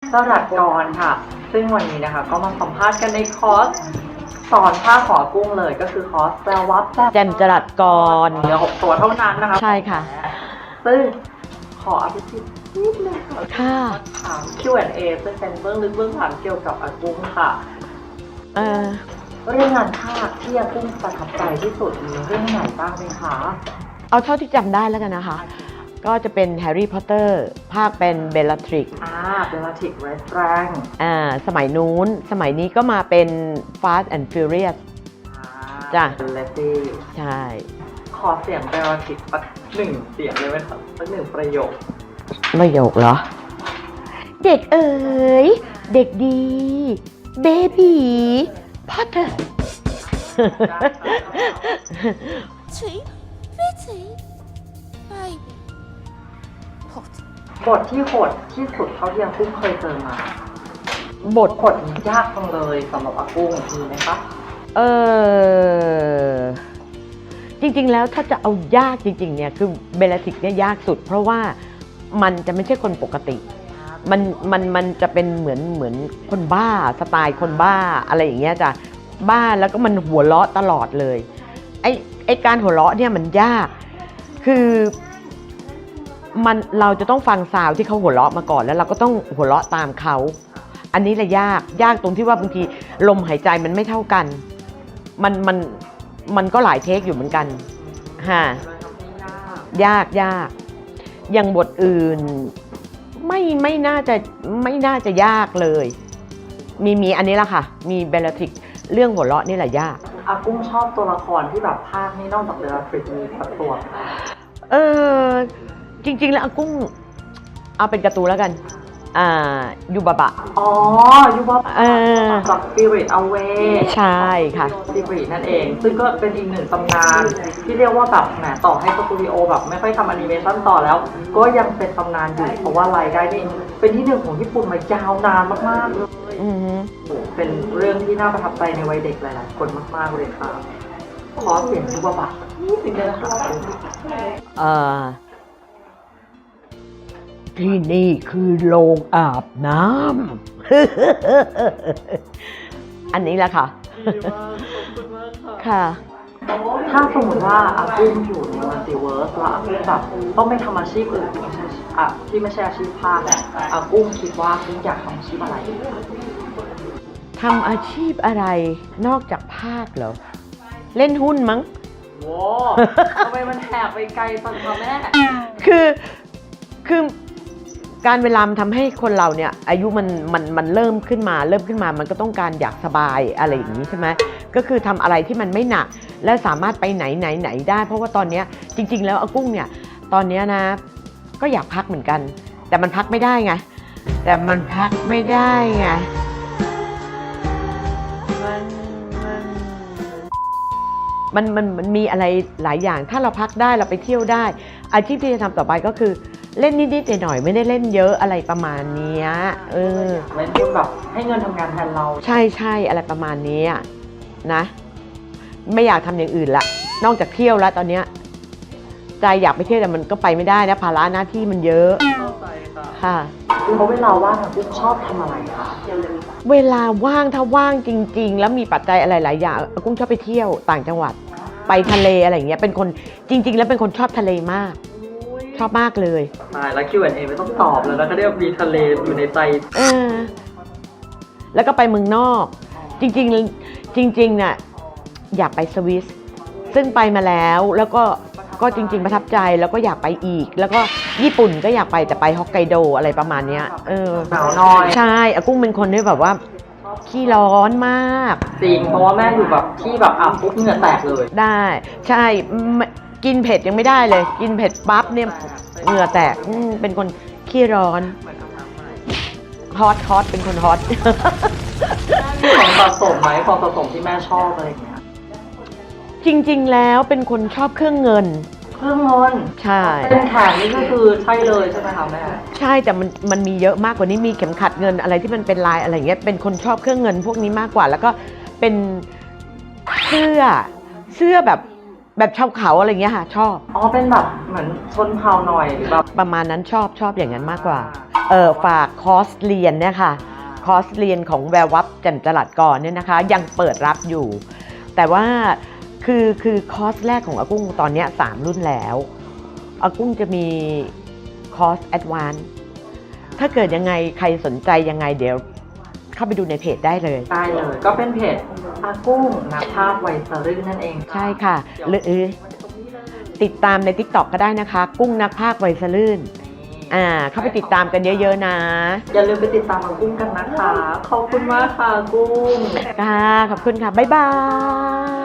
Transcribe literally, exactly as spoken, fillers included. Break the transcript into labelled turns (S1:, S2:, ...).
S1: สลัดกรค่ะซึ่งวันนี้นะคะก็มาสัมภาษณ์กันในคอร์สสอนผ้าขอกุ้งเลยก็คือคอร์สแปลวับแบบ
S2: แจ่มจรัสกร
S1: เหลือหกตัวเท่านั้นนะคะ
S2: ใช่ค่ะ
S1: ซึ่งขออภิสิทธิ์นิดนึง
S2: ค่ะ
S1: ถาม คิว แอนด์ เอ ซึ่งเป็นเบื้องลึกเบื้องหลังเกี่ยวกับอากุ้งค่ะ
S2: เออ
S1: เรื่องงานภาคที่อากุ้งประทับใจที่สุดมีเรื่องไหนบ้างไหมคะ
S2: เอาเท่าที่จำได้แล้วกันนะคะก็จะเป็นแฮร์รี่พอตเตอร์ภาคเป็นเบลลาทริก
S1: อ่าเบลลาทริกเรสแรง
S2: อ่าสมัยนู้นสมัยนี้ก็มาเป็น Fast and Furious จ้ะ
S1: เลซี่
S2: ใช่
S1: ขอเสียงเบลลาทริกสักหนึ่งเสียงเลยไหมครับสักหนึ่งประโยค
S2: ประโยคเหรอเด็กเอ๋ยเด็กดีเบบีพอตเตอร์
S1: บทที่โหดที่สุดเท่าที่อากุ้งเคยเจอมาบทโหดยากจังเลยสำหรับอากุ้งมีไหมคะ
S2: เออจริงๆแล้วถ้าจะเอายากจริงๆเนี่ยคือเบลลาทริกเนี่ยยากสุดเพราะว่ามันจะไม่ใช่คนปกติมันมันมันจะเป็นเหมือนเหมือนคนบ้าสไตล์คนบ้าอะไรอย่างเงี้ยจ้ะบ้าแล้วก็มันหัวเราะตลอดเลยไอ้ไอ้การหัวเราะเนี่ยมันยากคือมันเราจะต้องฟังซาวที่เขาหัวเราะมาก่อนแล้วเราก็ต้องหัวเราะตามเขาอันนี้แหละยากยากตรงที่ว่าบางทีลมหายใจมันไม่เท่ากันมันมันมันก็หลายเทคอยู่เหมือนกันฮะยากยากอย่างบทอื่นไม่ไม่น่าจะไม่น่าจะยากเลยมีมีอันนี้ละค่ะมีเบลลาทริกเรื่องหัวเราะนี่แหละยาก
S1: อากุ้งชอบตัวละครที่แบบภาคนี่นอกจากเบลลาทริกมีสักตัว
S2: เออจริงๆแล้วอากุ้งเอาเป็นการ์ตูนแล้วกันอ่ายูบะบะ
S1: อ๋อยูบะบะจาก Spirit Away
S2: ใช่ค่ะ
S1: Spirit นั่นเองซึ่งก็เป็นอีกหนึ่งตำนานที่เรียกว่าแบบแหมต่อให้สตูดิโอแบบไม่ค่อยทำแอนิเมชั่นต่อแล้วก็ยังเป็นตำนานอยู่เพราะว่ารายได้นี่เป็นที่หนึ่งของญี่ปุ่นมายาวนานมากๆเลยเป็นเรื่องที่น่าประทับใจในวัยเด็กหลายๆคนมากๆเลยค่ะขอเสียงยูบะบะนี่สิ่งเดียวนะคะ
S2: เอ่อที่นี่คือโรงอาบน้ำ อันนี้แหละค่ะค่ะ
S1: ถ้าสมมติว่าอากุ้งอยู่ในมัลติเวิร์สแล้วอากุ้งแบบต้องไม่ทำอาชีพอื่นอ่ะที่ไม่ใช่อาชีพภาคอากุ้งคิดว่าอากุ้งอยากทำอาชีพอะไร
S2: ทำอาชีพอะไรนอกจากภาคเหรอเล่นหุ้นมั้ง
S1: โว้ทำไมมันแหกไปไกลจังคะแม่
S2: คือคือการเวลาทำให้คนเราเนี่ยอายุมันมันมันเริ่มขึ้นมาเริ่มขึ้นมามันก็ต้องการอยากสบายอะไรอย่างนี้ใช่ไหมก็คือทำอะไรที่มันไม่หนักและสามารถไปไหนไหนไหนได้เพราะว่าตอนนี้จริงๆแล้วอากุ้งเนี่ยตอนนี้นะก็อยากพักเหมือนกันแต่มันพักไม่ได้ไงแต่มันพักไม่ได้ไงมันมันมันมีอะไรหลายอย่างถ้าเราพักได้เราไปเที่ยวได้อาชีพที่จะทำต่อไปก็คือเล่นนิดๆหน่อยๆไม่ได้เล่นเยอะอะไรประมาณนี้เออ
S1: เล่นแบบให้เงินทำงานแทนเรา
S2: ใช่ใช่อะไรประมาณนี้นะไม่อยากทำอย่างอื่นละนอกจากเที่ยวแล้วตอนนี้ใจอยากไปเที่ยวแต่มันก็ไปไม่ได้นะภาระหน้าที่มันเยอะ
S1: เข้าใจ
S2: ค่ะ
S1: เพราะเวลาว่างคุณชอบทำอะไรคะ
S2: เวลาว่างถ้าว่างจริงๆแล้วมีปัจจัยอะไรหลายอย่างกุ้งชอบไปเที่ยวต่างจังหวัดไปทะเลอะไรอย่างเงี้ยเป็นคนจริงๆแล้วเป็นคนชอบทะเลมากชอบมากเลย
S1: ใช่แล้ว คิว แอนด์ เอ ไม่ต้องตอบแล้วนะเขาเรียกมีทะเลอยู่ในใจ
S2: เออแล้วก็ไปเมืองนอกจริงๆจริงๆน่ะอยากไปสวิสซึ่งไปมาแล้วแล้วก็ก็จริงๆประทับใจแล้วก็อยากไปอีกแล้วก็ญี่ปุ่นก็อยากไปแต่ไปฮอกไกโดอะไรประมาณนี้เออ
S1: หนาวน้อย
S2: ใช่อากุ้งเป็นคนที่แบบว่าขี้ร้อนมาก
S1: จริงเพราะว่าแม่อยู่แบบที่แบบอาบปุ๊บเหงื่อแตกเลย
S2: ได้ใช่กินเผ็ดยังไม่ได้เลยกินเผ็ดปั๊บเนี่ยเหงื่อแตกเป็นคนขี้ร้อนฮอตฮอตเป็นคนฮอต
S1: ของสะสมไหมของสะสมที่แม่ชอบอะไรอย่างเงี้ย
S2: จริงๆแล้วเป็นคนชอบเครื่องเงิน
S1: เครื่องเงิน
S2: ใช่
S1: เป็นแขนนี่ก็คือใช่เลยใช่ไหมคะแม่
S2: ใช่แต่มันมันมีเยอะมากกว่านี้มีเข็มขัดเงินอะไรที่มันเป็นลายอะไรเงี้ยเป็นคนชอบเครื่องเงินพวกนี้มากกว่าแล้วก็เป็นเสื้อเสื้อแบบแบบชาวเขาอะไรเงี้ยค่ะชอบ
S1: อ๋อเป็นแบบเหมือนชนเผ่าหน่อยหรือแบบ
S2: ประมาณนั้นชอบชอบอย่างนั้นมากกว่าเออฝากคอร์สเรียนเนี่ยค่ะคอร์สเรียนของแวววับแจ่มจรัสก่อนเนี่ยนะคะยังเปิดรับอยู่ แต่ว่าคือคือคอร์สแรกของอากุ้งตอนเนี้ยสามรุ่นแล้วอากุ้งจะมีคอร์สแอดวานซ์ถ้าเกิดยังไงใครสนใจยังไงเดี๋ยวเข้าไปดูในเพจได้เลย
S1: ได้เลยก็เป็นเพจอากุ้งนักภาพไวสรื่นนั่นเอง
S2: ใช่ค่ะหรือติดตามใน ติ๊กต็อก ก็ได้นะคะ กุ้งนักพากย์ไวสลื่นอ่าเข้าไปติดตามกันเยอะๆนะ
S1: อย่าลืมไปติดตามอากุ้งกันนะคะ ขอบคุณมากค่ะอากุ้ง
S2: ค่ะขอบคุณค่ะ บ๊ายบาย